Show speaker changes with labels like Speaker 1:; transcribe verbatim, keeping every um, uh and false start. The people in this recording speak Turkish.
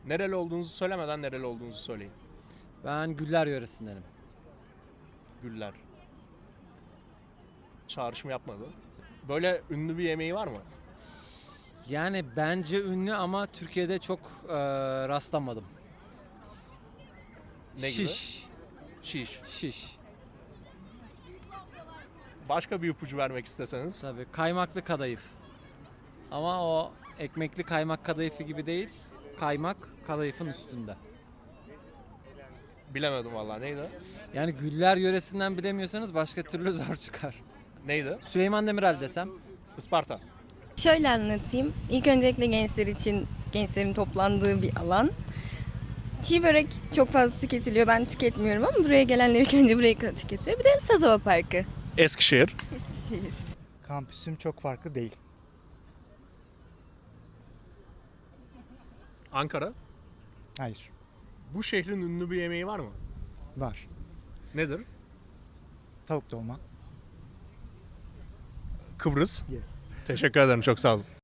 Speaker 1: Nereli olduğunuzu söylemeden nereli olduğunuzu söyleyin.
Speaker 2: Ben Güller yöresindenim.
Speaker 1: Güller. Çağrışım yapmadı. Böyle ünlü bir yemeği var mı?
Speaker 2: Yani bence ünlü ama Türkiye'de çok e, rastlamadım.
Speaker 1: Ne gibi?
Speaker 2: Şiş.
Speaker 1: Şiş.
Speaker 2: Şiş.
Speaker 1: Başka bir ipucu vermek isteseniz.
Speaker 2: Tabii kaymaklı kadayıf. Ama o ekmekli kaymak kadayıfı gibi değil. Kaymak kadayıfın üstünde.
Speaker 1: Bilemedim vallahi. Neydi?
Speaker 2: Yani Güller yöresinden bilemiyorsanız başka türlü zor çıkar.
Speaker 1: Neydi?
Speaker 2: Süleyman Demirel desem.
Speaker 1: Isparta.
Speaker 3: Şöyle anlatayım. İlk öncelikle gençler için gençlerin toplandığı bir alan. Çiğ börek çok fazla tüketiliyor. Ben tüketmiyorum ama buraya gelenler ilk önce burayı tüketiyor. Bir de Sazova Parkı.
Speaker 1: Eskişehir.
Speaker 3: Eskişehir.
Speaker 4: Kampüsüm çok farklı değil.
Speaker 1: Ankara.
Speaker 4: Hayır.
Speaker 1: Bu şehrin ünlü bir yemeği var mı?
Speaker 4: Var.
Speaker 1: Nedir?
Speaker 4: Tavuk dolma.
Speaker 1: Kıbrıs.
Speaker 4: Yes.
Speaker 1: Teşekkür ederim. Çok sağ olun.